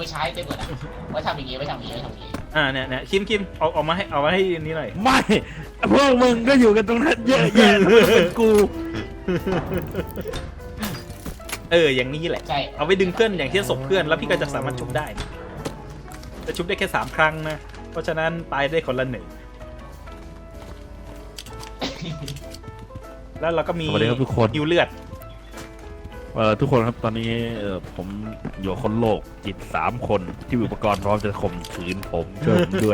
ไปใช้เต็มหมดอ่ะไว้ทำอย่างงี้ไว้ทำอย่างงี้ไว้ทำอย่างงี้เนี่ยคิมเอามาให้นี้หน่อยไม่พวกมึงก็อยู่กันตรงนั้นเยอะแยะแล้วมันเป็นกูอย่างนี้แหละใช่เอาไปดึงเพื่อนอย่างเช่นศพเพื่อนแล้วพี่ก็จะสามารถชุบได้จะชุบได้แค่3 ครั้งนะเพราะฉะนั้นตายได้คนละ 1แล้วเราก็มีสวัสดีครับทุกคนฮิวเลือดทุกคนครับตอนนี้ผมอยู่คนโลกจิต3 คนที่มีอุปกรณ์พร้อมจะข่มขืนผมช่วยผมด้วย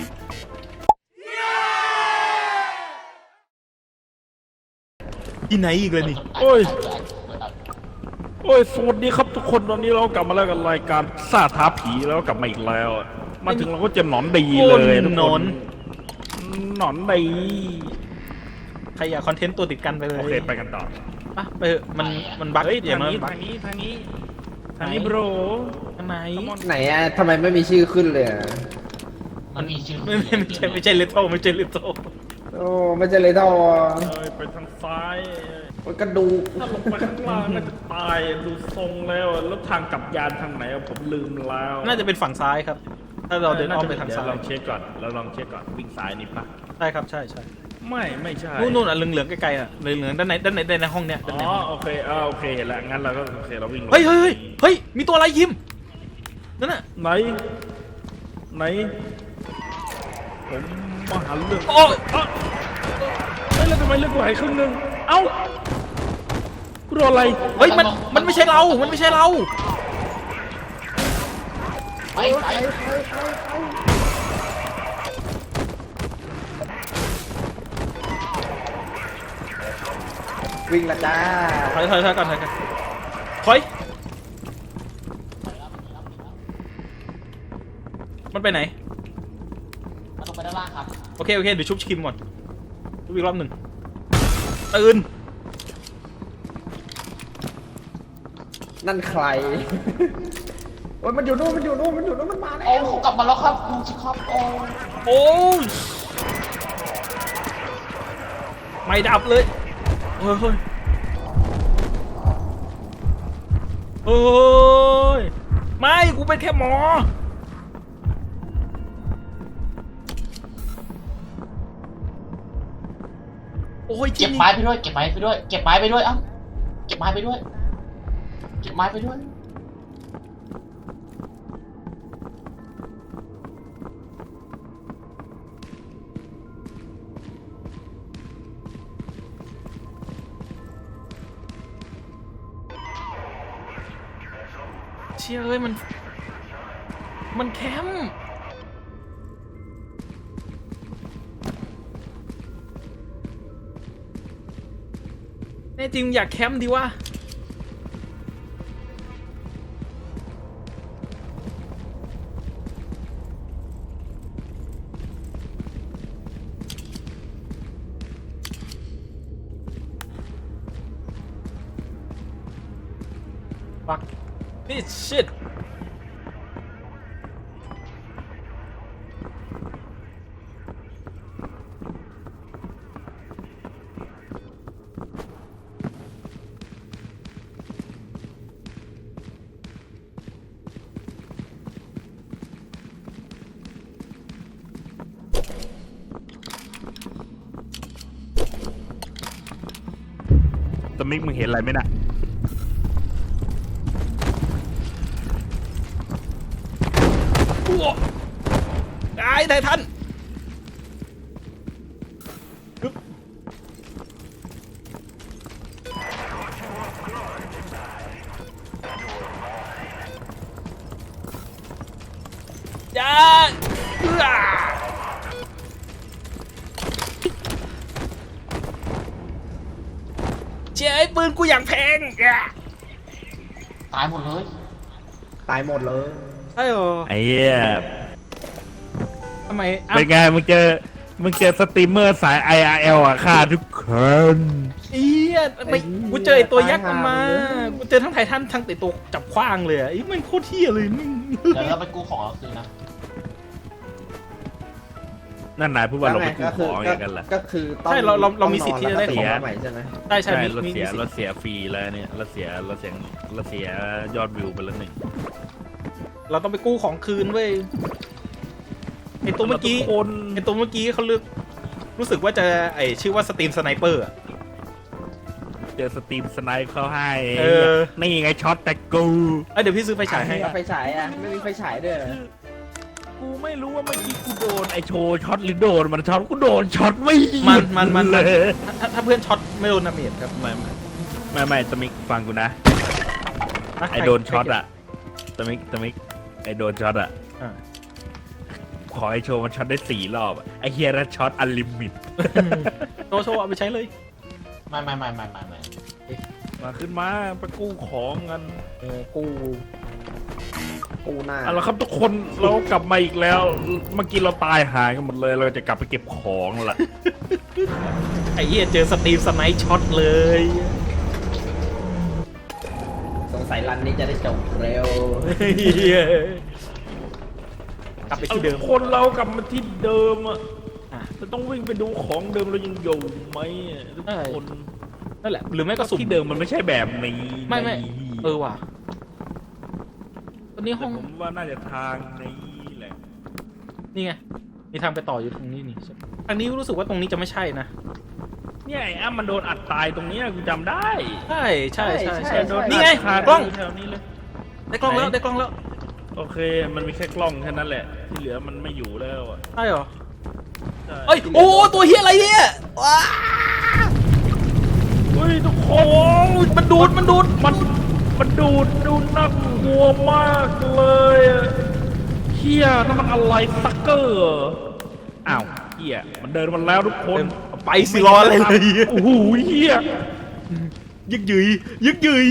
ที่ไหนอีกเลยนี่โอ้ย โอ้ยสวัสดีครับทุกคนตอนนี้เรากลับมาแล้วกับรายการซ่าท้าผีแล้วกลับมาอีกแล้ว มาถึงเราก็เจะหนอนดีเลยทุกหนคอนหนอนดีใครอยากคอนเทนต์ตัวติดกันไปเลยโอเคไปกันต่อปะไปเถอะมันบั๊กเฮ้ยอย่าทางมานี้บั๊กทางนี้ทางนี้ทางนี้โบรทำไมไหนอะทำไมไม่มีชื่อขึ้นเลยอะมันมีชื่อไม่ใช่เลโทไม่ใช่เลโทโอ้ไม่ใช่เลยเท่าอ่ะไปทางซ้ายมันกระดูกถ้าลงไปข้างล่างน่าจะตายดูทรงแล้วแล้วทางกลับยานทางไหนผมลืมแล้วน่าจะเป็นฝั่งซ้ายครับ ถ้าเราเดินอ้อมไปทางซ้ายลองเช็คก่อนแล้วลองเช็คก่อนวิ่งซ้ายนี่ปะใช่ครับใช่ไม่ใช่นู่นอ่ะเหลืองๆไกลๆอ่ะเหลืองๆด้านในห้องเนี้ยอ๋อโอเคโอเคเห็นแล้วงั้นเราก็โอเคเราวิ่งลงเฮ้ยมีตัวอะไรยิมนั่นน่ะไหนผมมาหาเรื่องโอ้ยเฮ้ยแล้วทำไมเลือกกูหายครึ่งนึงเอ้ากูโดนอะไรเฮ้ยมันไม่ใช่เรามันไม่ใช่เราไปไปวิ่งละจ้าถอยก่อนถอยมันไปไหนมันลงไปด้านล่างครับโอเคเดี๋ยวชุบคิมก่อนชุบอีกรอบหนึ่งตื่นนั่นใครโอ้ยมันอยู่นู่นมันมาแล้โอ้วกลับมาแล้วครับดูสิครับโอ้โอ้ยไม่ดับเลยเฮ้ยไม่กูเป็นแค่หมอโอ้ยเก็บไม้ไปด้วยเก็บไม้ไปด้วยเก็บไม้ไปด้วยเอ้าเก็บไม้ไปด้วยเก็บไม้ไปด้วยเชี่ยเอ้ยมันแคมป์แน่จริงอยากแคมป์ดีวะฟักนี่ชิตตมิกมึงเห็นอะไรไหมน่ะได้ท่านอย่าเจ๊ไอ้ปืนกูอย่างแพงตายหมดเลยตายหมดเลยใช่หรอไอ้เหี้ยทำไมเป็นไงมึงเจอสตรีมเมอร์สาย IRL อ่ะฆ่าทุกคนเอี๊ยไม่กูเจอไอ้ตัวยักษ์มันมากูเจอทั้งไททันทั้งไอ้ตัวจับขว้างเลยอ่ะไอ้มันโคตรเที่ยเลยมึงเดี๋ยวเราไปกู้ของเราคืนนะนั่นนายพูดว่าเราไปกู้ของอย่างกันเหรอก็คือต้องใช่เรามีสิทธิ์ที่จะได้ของใหม่ใช่ไหมใช่ใช่มีเรามีเสียสิทธิ์ฟรีแล้วเนี่ยเราเสียยอดวิวไปแล้วหนึ่งเราต้องไปกู้ของคืนเว้ยไอตัวเมื่อกี้คนไอตัวเมื่อกี้เขาเลือกรู้สึกว่าจะชื่อว่าสตรีมสไนเปอร์เจอสตรีมสไนป์เขาให้เออนี่ไงช็อตแต่กูเดี๋ยวพี่ซื้อไฟฉายให้ไฟฉายอ่ะไม่มีไฟฉายด้วยเหรอกูไม่รู้ว่าเมื่อกี้กูโดนไอโชว์ช็อตหรือโดนมันช็อตกูโดนช็อตไม่หยุดมันเลยถ้าเพื่อนช็อตไม่โดนดาเมจครับไม่ตะมิกฟังกูนะ ไอโดนช็อตอะตะมิกไอโดนช็อตอะอ่าขอไอโชว์มันช็อตได้4 รอบอะไอเฮียรัช็อตอันลิมิตโชว์เอาไปใช้เลยไม่มาขึ้นมาไปกู้ของกันกูหน้าเอาละครับทุกคนเรากลับมาอีกแล้ว เมื่อกี้เราตายหายกันหมดเลย เราจะกลับไปเก็บของละไอ้เหี้ยเจอสตรีมสไนช็อตเลยสงสัยรันนี้จะได้จบเร็วเหี้ยกลับไปที่เดิมคนเรากลับมาที่เดิมอะอ่ะจะต้องวิ่งไปดูของเดิมเรายังอยู่ไหมอะทุกคนนั่นแหละหรือไม่ก็สุ่มที่เดิมมันไม่ใช่แบบนี้ไม่ว่ะตอนนี้ห้แต่องผมว่าน่าจะทางนี้แหละนี่ไงมีทางไปต่ออยู่ตรงนี้นี่ทางนี้รู้สึกว่าตรงนี้จะไม่ใช่นะเนี่ยไอ้อ้ำมันโดนอัดตายตรงเนี้ยกูจำได้ใช่โดนนี่ไงอัดคากล้องแถวนี้เลยได้กล้องแล้วได้กล้องแล้วโอเคมันมีแค่กล้องแค่นั้นแหละ ที่เหลือมันไม่อยู่แล้วอะใช่เหรอใช่เอ้ยโอ้ตัวเฮียอะไรเนี่ยว้าเฮ้ยทุกคโอ้นมันดูดมันดูน่ากลัวมากเลยอะเฮียนั่นมันอะไรซักเกอร์เหรออ้าวเฮียมันเดินมาแล้วทุกคนไปสิรออะไรเลยโอ้โหเฮียยึกยืย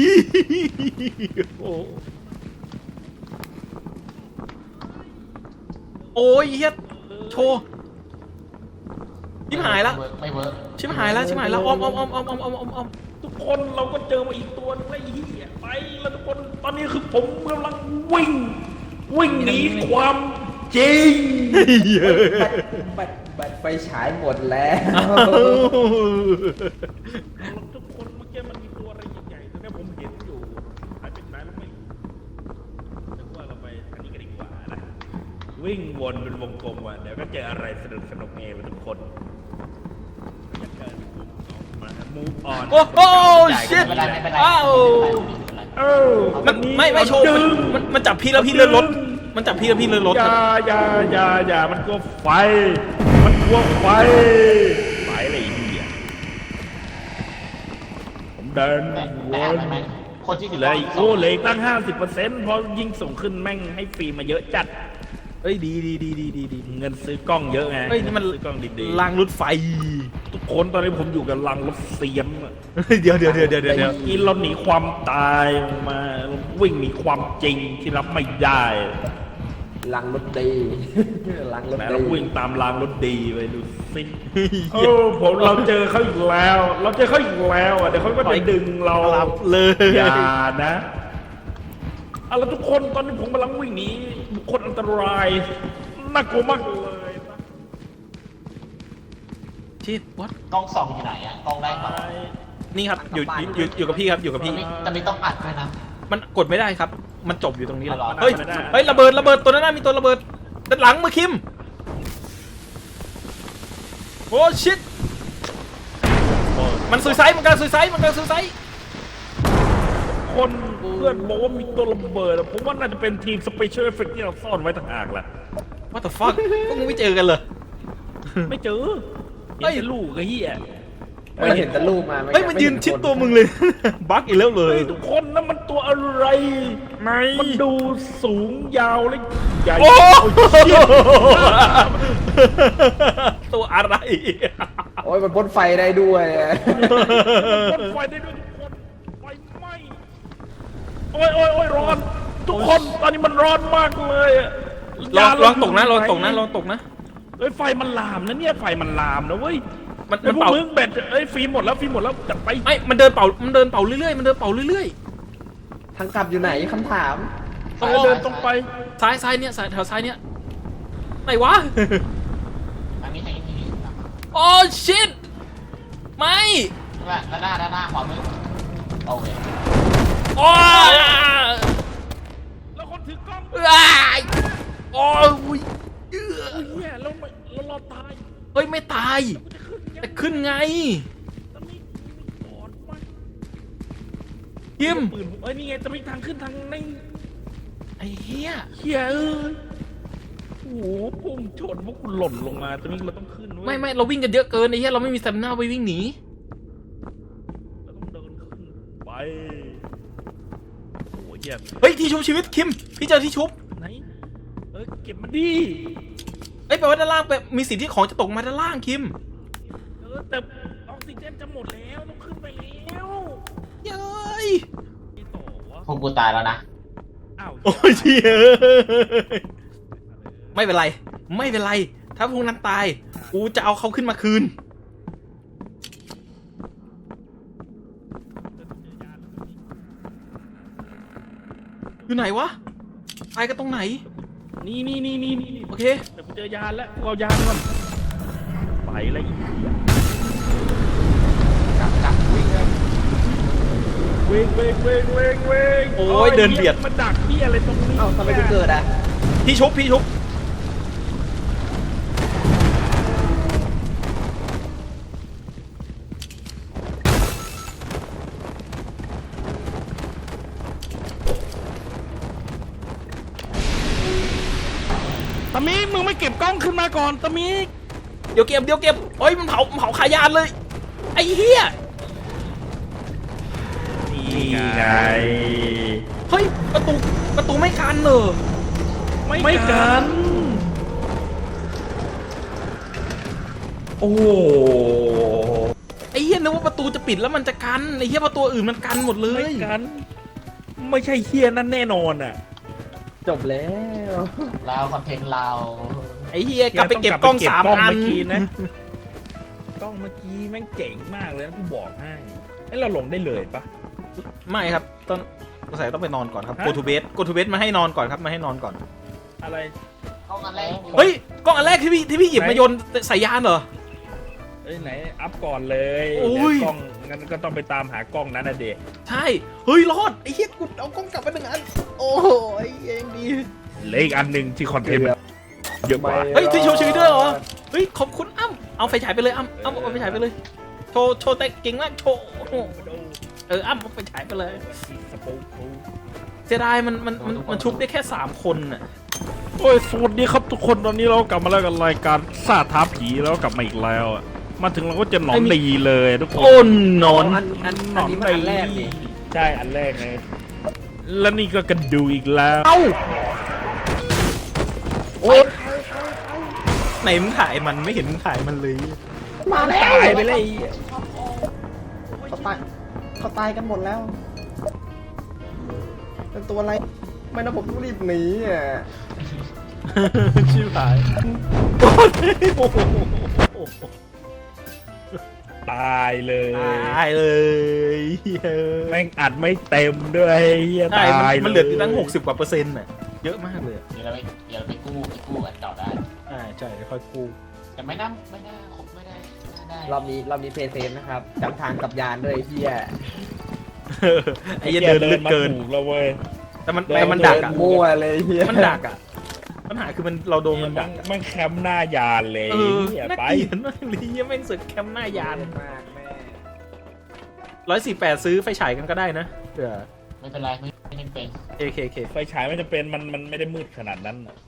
โอ้ยเฮียโชว์ชิบหายละไม่เวิร์กชิบหายละอ้อมทุกคนเราก็เจอมาอีกตัวนึงแล้วไอ้เฮียไปแล้วทุกคนตอนนี้คือผมกำลังวิ่งหนีความจริงบัตรไฟฉายหมดแล้วทุกคนเมื่อกี้มันมีตัวอะไรใหญ่ๆแต่เนี่ยผมเห็นอยู่หายไปไหนแล้วไม่รู้แต่ว่าเราไปทางนี้กันดีกว่านะวิ่งวนเป็นวงกลมว่ะเดี๋ยวก็เจออะไรสนุกเองทุกคนอยากเกิดมา move on โอ้โห ชิตไม่เป็นไรอ้าวเออมันไม่โชว์มันจับพี่แล้วพี่เลื่อนรถมันจับพี่แล้วพี่เลื่อนรถอย่ามันกลัวไฟไฟอะไรอีกอ่ะผมเดินแม่คนที่เหลยเหลยตั้ง 50%เพราะยิ่งส่งขึ้นแม่งให้ฟรีมาเยอะจัดเอ้ยดีเงินซื้อกล้องเยอะไงเฮ้ยนี่มันซื้อกล้องดีรางรถไฟๆทุกคนตอนนี้ผมอยู่กับลังรถเสียมอะเดี๋ยวกินเราหนีความตายมาวิ่งหนีความจริงที่รับไม่ได้ลังรถดีลังรถแหมดีเราวิ่งตามรางรถดีไปดูสิเราเจอเขาอีกแล้วอ่ะเดี๋ยวเขาก็จะดึงเรารับเลยอย่านะเอาละทุกคนตอนนี้ผมกำลังวิ่งหนีบุคคลอันตรายน่ากลัวมากเลยนะชิดวัดกล้องส่องอยู่ไหนอะกล้องแรกต่อนี่ครับอยู่กับพี่ครับอยู่กับพี่แต่ไม่ต้องอัดด้วยนะมันกดไม่ได้ครับ มันจบอยู่ตรงนี้แหละอ๋อเหรอเฮ้ยระเบิดตัวนั้นน่ะมีตัวระเบิดด้านหลังมือคิมโอ้ชิตมันซุยไซด์มันกำลังซุยไซด์คนเพื่อนบอกว่ามีตัวระเบิดอะผมว่าน่าจะเป็นทีมสเปเชียลเอฟเฟกที่เราซ่อนไว้ต่างหากแหละ What the fuck พวกมึงไม่เจอกันเลยไม่เจอเฮ้ยเห็นแต่ลูกไอ้เหี้ยไม่เห็นแต่รูปมาเฮ้ยมันยืนชิดตัวมึงเลย บั๊กอีกแล้วเลยเฮ้ยทุกคนนั่นมันตัวอะไรไหนมันดูสูงยาวและใหญ่โอ้เชี่ยตัวอะไรโอ้ยมันพ่นไฟได้ด้วยอะพ่นไฟได้ด้วยทุกคนไฟไหม้โอ้ยร้อน ทุกคนตอนนี้มันร้อนมากเลยอะลองตกนะเฮ้ยไฟมันลามนะเนี่ยไฟมันลามนะเว้ยมันไอ้พวกเป่ามึงแบตเอ้ยฟิล์มหมดแล้วจัดไปไม่มันเดินเป่าเรื่อยทางกลับอยู่ไหนคำถามต้องเดินตรงไปๆซ้ายเนี่ยแถวซ้ายเนี่ยไหนวะทางนี้โอ้ชิตไม่ด้านหน้าขวามือโอเคโอ้แล้วคนถือกล้องอ้ายโอ้ยโอ้ยเฮียแล้วเราตายเฮ้ยไม่ตายกูจะขึ้นยังแต่ขึ้นไงตะมิกกอดมาคิมปืนเอ้ยนี่ไงตะมิกทางขึ้นทางในไอ้เหี้ยเฮียโอ้โหพุ่งชนพวกกูหล่นลงมาตะมิกเราต้องขึ้นเว้ยไม่เราวิ่งกันเยอะเกินไอ้เหี้ยเราไม่มีสเตมิน่าไปวิ่งหนีเราต้องเดินขึ้นไปโอ้โหเฮียเฮ้ยที่ชุบชีวิตคิมพี่เจอที่ชุบไหนเก็บมันดีเอ้ยแปลว่าด้านล่างมีสิทธิ์ที่ของจะตกมาด้านล่างคิมแต่ออกซิเจนจะหมดแล้วต้องขึ้นไปแล้วเย้ยไม่ต่อวะพวกกูตายแล้วนะอ้าวโอ้ยเชี่ยไม่เป็นไรไม่เป็นไรถ้าพวกนั้นตายกูจะเอาเขาขึ้นมาคืนอยู่ไหนวะตายกันตรงไหนนี่โอเคแต่กูเจอยานแล้วเอายานก่อนไปแล้วอีกกลับวิ่งเลยเวงโอ้ยเดินเบียดมันดักพี่อะไรตรงนี้เอ้าทำไมกูเกิดอ่ะพี่ชุบตะมิกมึงไม่เก็บกล้องขึ้นมาก่อนตะมิกเดี๋ยวเก็บเฮ้ยมันเผาขายานเลยไอ้เหี้ยนี่ไงเฮ้ยประตูไม่กันเหรอไม่กัน โอ้โหไอ้เหี้ยนึกว่าประตูจะปิดแล้วมันจะกันไอ้เหี้ยประตูอื่นมันกันหมดเลไม่ยกัน ไม่ใช่เฮียนั่นแน่นอนอ่ะจบแล้วเราคอนเทนต์เราไอ้เหี้ยกลับไปเก็บกล้องสามอันเมื่อกี้นะกล้องเมื่อกี้แม่งเจ๋งมากเลยนะกูบอกให้ไอ้เราลงได้เลยปะไม่ครับต้องใส่ต้องไปนอนก่อนครับฮะ go to bed มาให้นอนก่อนครับมาให้นอนก่อนอะไรเข้ากันเลยเฮ้ยกล้องอันแรกที่พี่หยิบมาโยนใส่ยานเหรอเอ้ยไหนอัพก่อนเลยโอ้ยเดี๋ยวกล้องงั้นก็ต้องไปตามหากล้องนั้นนะเด็กใช่เฮ้ยรอดไอ้เหี้ยกูเอากล้องกลับมาหนึ่งอันโอ้ยยังดีเหลยอีกอันหนึ่งที่คอนเทนต์มันเยอะกว่าเฮ้ยที่โชว์ชีวิตด้วยเหรอเฮ้ยขอบคุณอ้ำเอาไฟฉายไปเลยอ้ำเอาไฟฉายไปเลยโชว์แต่เก่งมากโชว์อ้ำเอาไฟฉายไปเลยสปูปูเสียดายมันชุบได้แค่3คนน่ะโอ้ยสวัสดีครับทุกคนตอนนี้เรากลับมาแล้วกับรายการซ่าท้าผีแล้วกลับมาอีกแล้วอะมาถึงเราก็จะหนอนดีเลยทุกคนโอ้นอนอันนี้มันอันแรกนี่ใช่อันแรกไงแล้วนี่ก็กระดูอีกแล้วเอ้าโอ๊ยไหนมึงถ่ายมันไม่เห็นมึงถ่ายมันเลยมาแล้วตายไปเลยเขาตายกันหมดแล้ว เป็นตัวอะไร ไม่นะผมต้องรีบหนีอ่ะชื่อถ่ายโอ้โหตายเลยตายเลยเฮ้ยแม่งอัดไม่เต็มด้วยเฮียใช่ตายมันเหลืออยู่ตั้ง60กว่าเปอร์เซ็นต์น่ะเยอะมากเลยเดี๋ยวเราไปกู้อันเก่าได้ใช่ค่อยกู้แต่ไม่น่าครบไม่ได้ได้รอบนี้เพย์เซฟนะครับจำทางกับยานด้วยไอ้เฮียไอ้เหี้ยเดินลึกเกินมาถูกแล้วเว้ยแต่มันเดินมันดักอ่ะมั่วเลยเฮียมันดักอ่ะปัญหาคือเราโดนมันดักอะมันแคมป์หน้ายานเลยเออเหี้ยน่าไปเกลียดมากเลยยังแม่งสึกแคมป์หน้ายานมากแม่ 148ซื้อไฟฉายกันก็ได้นะเผื่อไม่เป็นไรไม่เป็นเคไฟฉายมันจะเป็นมันไม่ได้มืดขนาดนั้นน่ะ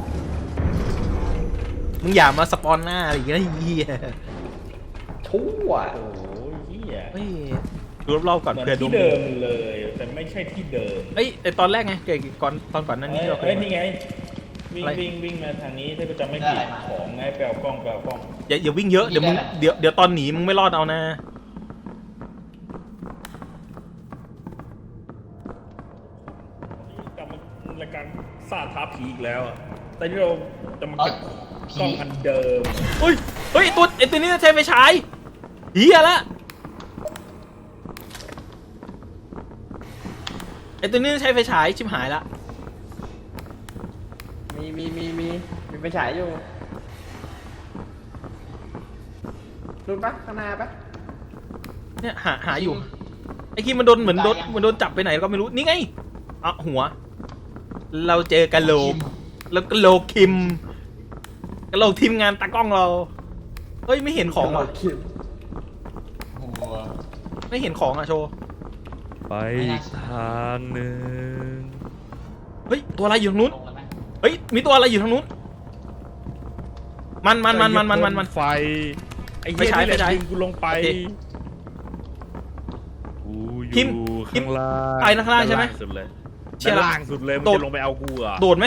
มึงอย่ามาสปอนหน้าอะไรอย่างเงี้ยเหี้ยชั่วโอ้ยเหี้ยเฮ้ยดูรอบๆก่อนเหมือนเผื่อดวที่งเดิมเลย แต่ไม่ใช่ที่เดิมเอ้ยแต่ตอนแรกไงเกิดตอนก่อนหนั้นนี้ที่เราเคเอ้ยยนี่ไงวิ่งอะไรวิ่งมาทางนี้ถ้าจะไม่ผิดของไงแปลกล้องอย่าวิ่งเยอะเดี๋ยวมึงเดี๋ยวตอนหนีมึงไม่รอดเอานะกลับมารายการซ่าท้าผีอีกแล้วอะแต่ที่เราจะมาเก็บกล้องอันเดิมเฮ้ยไอตัวนี้ใช้ไฟฉายเฮียละไอตัวนี้ใช้ไฟฉายชิบหายละมีไปฉายอยู่ดูปะข้างหน้าปะเนี่ยหาอยู่ไอคิมมันโดนเหมือนโดนจับไปไหนก็ไม่รู้นี่ไงอ่ะหัวเราเจอกะโหลกแล้วกะโหลกคิมกะโหลกทีมงานตากล้องเราเฮ้ยไม่เห็นของว่ะคิมหัวไม่เห็นของอ่ะโชว์ไปอีกทางหนึ่งเฮ้ยตัวอะไรอยู่ทางนู้นลงแล้วไหมเฮ้ยมีตัวอะไรอยู่ทางนู้นมันไฟไอ้ไม่เหี้ยใช่นี่แหละไม่ใช่ดึงกูลงไปโอเคกูอคิมยู่คิมข้างล่างไปข้างล่างใช่ไหมด้นสุดเลยเชี่ยด้านล่างสุดเลยมันโดดจะลงไปเอากูเหรอ่ะโดดไหม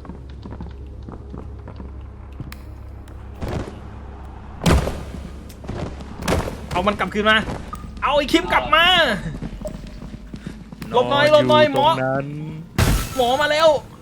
เอามันกลับคืนมาเอาไอ้คิมกลับมา หลบหน่อยหลบหน่อยหมอตรงนั้นหมอมาแล้ว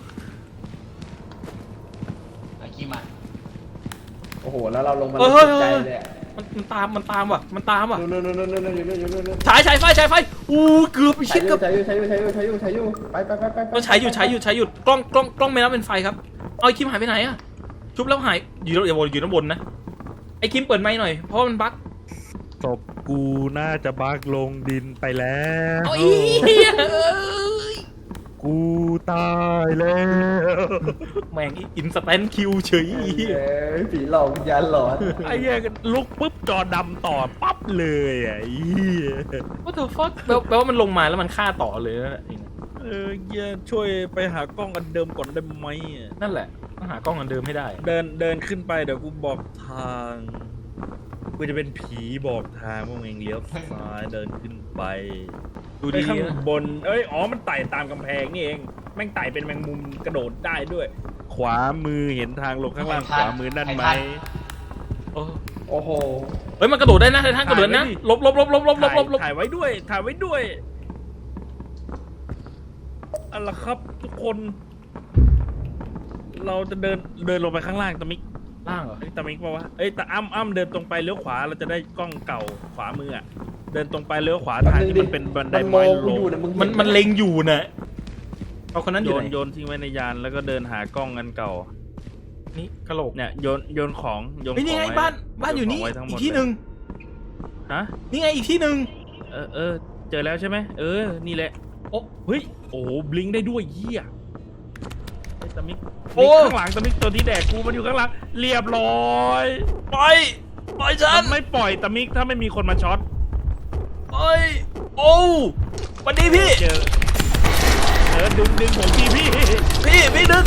ไอ้ขี้มาโอ้โหแล้วเราลงมาเฮ้ยตเฮ้ยกใจเฮ้ยเลยอะมันตามว่ะมันตามว่ะนู่นนู่นนู่นนู่นนู่นอยู่นู่นอยู่นู่นอยู่นู่นฉายไฟอู้เกือบไปชิดกับใช้อยู่ไปเราใช้อยู่กล้องไม่รับเป็นไฟครับเอาไอ้คิมหายไปไหนอะชุบแล้วหายอยู่ด้านบนนะไอ้คิมเปิดไมค์หน่อยเพราะว่ามันบั๊กศพกูน่าจะบักลงดินไปแล้วเอาอีเอ้ยกูตายแล้วแม่งอินสแตนคิวเฉยผีหลอกวิญญาณหลอนไอ้เหี้ยลุกปุ๊บจอดำต่อปั๊บเลยอ่ะไอ้เหี้ยว่าเธอฟักแปลว่ามันลงมาแล้วมันฆ่าต่อเลยนะเหี้ยช่วยไปหากล้องอันเดิมก่อนได้ไหมอะนั่นแหละต้องหากล้องอันเดิมให้ได้เดินขึ้นไปเดี๋ยวกูบอกทางกูจะเป็นผีบอกทางพวกเองเลี้ยวซ้ายเดินขึ้นไปดูไปดีข้างนะบนมันไต่ตามกำแพงนี่เองแม่งไต่เป็นแมงมุมกระโดดได้ด้วย ขวามือเห็นทางลงข้างล่างขวามือนั่นไหมโอ้โอ้โหเฮ้ยมันกระโดดได้นะไททันกระโดดนะลบถ่ายไว้ด้วยเอาล่ะครับทุกคน เราจะเดินลงไปข้างล่างตะมิกล่างเหรอตะมิกป่าวะแต่อ้ำเดินตรงไปเลี้ยวขวาเราจะได้กล้องเก่าขวามืออ่ะเดินตรงไปเลี้ยวขวาทางที่มันเป็นบันไดมันมไม้องลกูอง ยู่นะมึงห็มันเล็งอยู่นะเอาคนนั้นอยู่ไหนโยนทิ้งไว้ในยานแล้วก็เดินหากล้องอันเก่านี่กระโหลกเนี่ยโยนของโยนขเฮ้อย งนี่ไงว้บ้านอยู่นี่โไว้ทั้งหมอีดกที่หนึ่งฮะนี่ไงอีกที่หนึ่งเจอแล้วใช่ไหมนี่แหละโอ้เฮ้ยโอ้โหบลิงก์ได้ด้วยเหี้ยไอ้ตะมิกโอ้ข้างหลังตะมิกตัวที่แดกกูมันอยู่ข้างหลังเรียบร้อยปล่อยฉัมัน นไม่ปล่อยตะมิกถ้าไม่มีคนมาช็อตปล่อยโอ้วันนี้พี่เจอดึงผมทีพี่พี่ดึง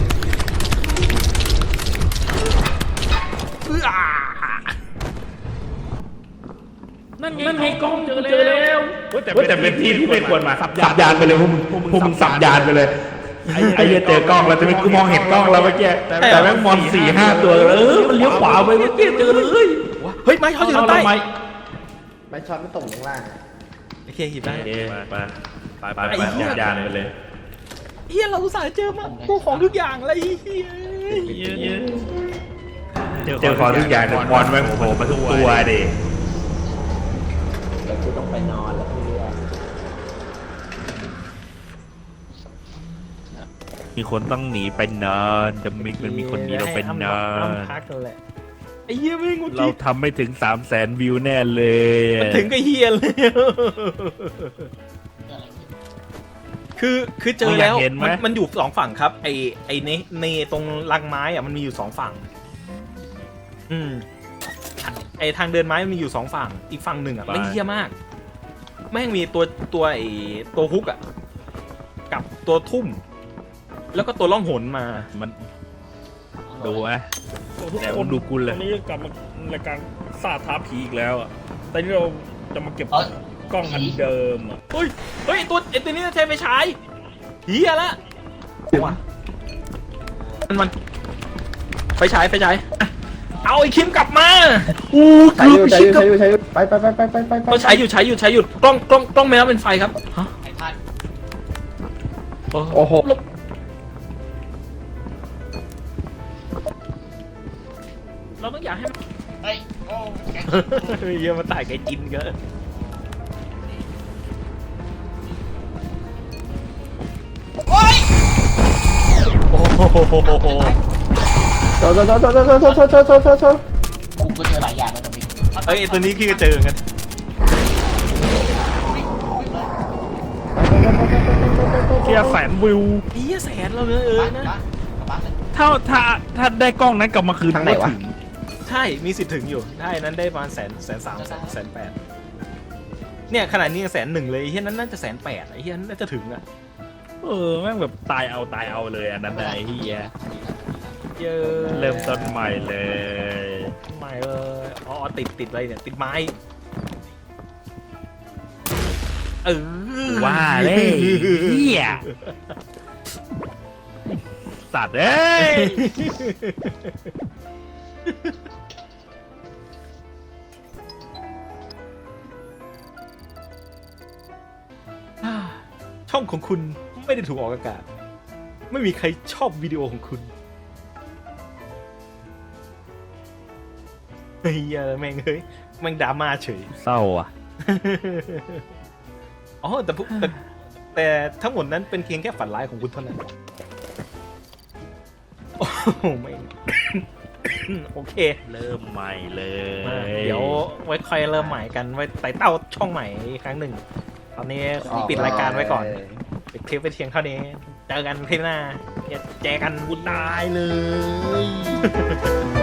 นั่นไงกล้องเจอแล้วแต่เป็นที่ที่ไม่ควรมาสับยานไปเลยพวกมึงสับยานไปเลยไอ้เหี้ยเจอกล้องแล้วแต่ไม่กูมองเห็นกล้องแล้วเมื่อกี้แต่แม่งมอน4-5 ตัวมันเลี้ยวขวาไปเมื่อกี้เจอเลยเฮ้ยไม้เขาอยู่ทางใต้ไม่ช็อตไม่ตกลงล่างโอเคหยิบได้ไปยานไปเลยเฮียเราอุตส่าห์เจอมาพวกของทุกอย่างอะไรเฮียเจอของทุกอย่างแต่มอนแม่งโผล่มาทุกตัวดิแล้วกูต้องไปนอนแล้วเพื่อนมีคนต้องหนีไปนอนจะมีคนหนีเราไปนอนพักกันแหละไอ้เฮียไม่งุดเราทำไม่ถึง300,000 วิวแน่เลยมันถึงกับเฮียเลยคือเจอแล้วมันอยู่2ฝั่งครับไอในตรงรังไม้อะมันมีอยู่2ฝั่งไอทางเดินไม้มันมีอยู่2ฝั่งอีกฝั่งหนึ่งอะไม่เฮียมากแม่งมีตัวไอตัวฮุกอะกับตัวทุ่ม แล้วก็ตัวล่องหนมามันดูไหมแต่ผมดูกุลเลยตอนนี้กลับมารายการซาท้าผีอีกแล้วอ่ะแต่นี่เราจะมาเก็บกล้องอันเดิมอ่ะเฮ้ยตัวนี้ใช้ไฟฉายเฮียละมันไฟฉายเอาไอ้คิมกลับมาใช้อยู่ไปเราใช้อยู่กล้องไม่รับเป็นไฟครับฮะไอ้ท่านโอ้โหเราต้องอยากให้มันเฮ้ยโอ้แกเยอะมาตายไก่จินเกินโอ้โหโทษกูก็เจอหลายอย่างแล้วตรงนี้เอ้ยตัวนี้พี่ก็เจอกันโอเคหี้ยแสนวิวไอ้เหี้ยแสนเราเลยบ้านนะบ้านกลับบ้านเลยถ้าได้กล้องนั้นกลับมาคืนทางไหนวะถึงใช่มีสิทธิ์ถึงอยู่ได้นั้นได้ประมาณ130,000 180,000เนี่ยขนาดนี้ยัง100,000เลยไอ้เหี้ยนั้นน่าจะ180,000ไอ้เหี้ยน่าจะถึงอ่ะแม่งแบบตายเอาเลยอันนั้นไอ้เหี้ยเยอะเริ่มต้นใหม่เลยใหม่เลยอ๋อติดอะไรเนี่ยติดไม้ว่าเลยเหี้ยสัตว์เอ้ยช่องของคุณไม่ได้ถูกออกอากาศไม่มีใครชอบวิดีโอของคุณเฮ้ยแม่งเฮ้ยแม่งดราม่าเฉยเศร้าอ่ะอ๋อแต่ทั้งหมดนั้นเป็นเพียงแค่ฝันร้ายของคุณเท่านั้นโอ้โหไม่ โอเคเริ่มใหม่เลยเดี๋ยวไว้ค่อยเริ่มใหม่กันไว้ไต่เต้าช่องใหม่อีกครั้งหนึ่งตอนนี้ขอปิดรายการไว้ก่อนปิดคลิปไปเพียงเท่านี้เจอกันคลิปหน้าเจอกันกูตายเลย